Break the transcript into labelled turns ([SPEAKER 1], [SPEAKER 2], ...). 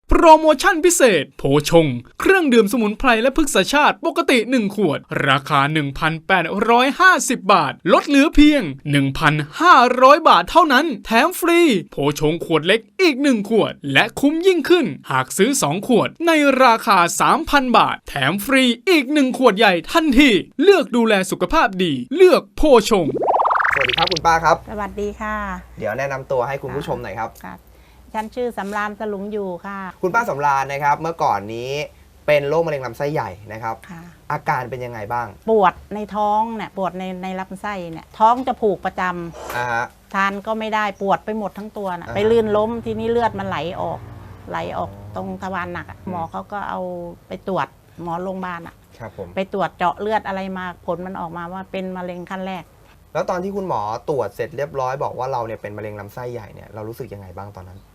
[SPEAKER 1] โปรโมชั่นพิเศษโพชงเครื่องดื่มสมุนไพรและพฤกษชาติปกติ1ขวดราคา 1,850 บาทลดเหลือเพียง 1,500 บาทเท่านั้นแถมฟรีโพชงขวดเล็กอีก1ขวดและคุ้มยิ่งขึ้นหากซื้อ2ขวดในราคา 3,000 บาทแถมฟรีอีก1ขวดใหญ่ทันทีเลือกดูแลสุขภาพดีเลือกโพชง
[SPEAKER 2] สวัสดีครับคุณป้าครับ
[SPEAKER 3] สวัสดีค่ะ
[SPEAKER 2] เดี๋ยวแนะนำตัวให้คุณผู้ชมหน่อยครับ
[SPEAKER 3] ฉันชื่อสำราญสลุงอยู่ค่ะ
[SPEAKER 2] คุณป้าสำราญนะครับเมื่อก่อนนี้เป็นโรคมะเร็งลำไส้ใหญ่นะครับอาการเป็นยังไงบ้าง
[SPEAKER 3] ปวดในท้องเนี่ยปวดในลำไส้เนี่ยท้องจะผูกประจำทานก็ไม่ได้ปวดไปหมดทั้งตัวนะไปลื่นล้มทีนี้เลือดมันไหลออกตรงทวารหนักหมอเขาก็เอาไปตรวจหมอโรงพยาบาลไปตรวจเจาะเลือดอะไรมาผลมันออกมาว่าเป็นมะเร็งขั้นแรก
[SPEAKER 2] แล้วตอนที่คุณหมอตรวจเสร็จเรียบร้อยบอกว่าเราเนี่ยเป็นมะเร็งลำไส้ใหญ่เนี่ยเรารู้สึกยังไงบ้างตอนนั้น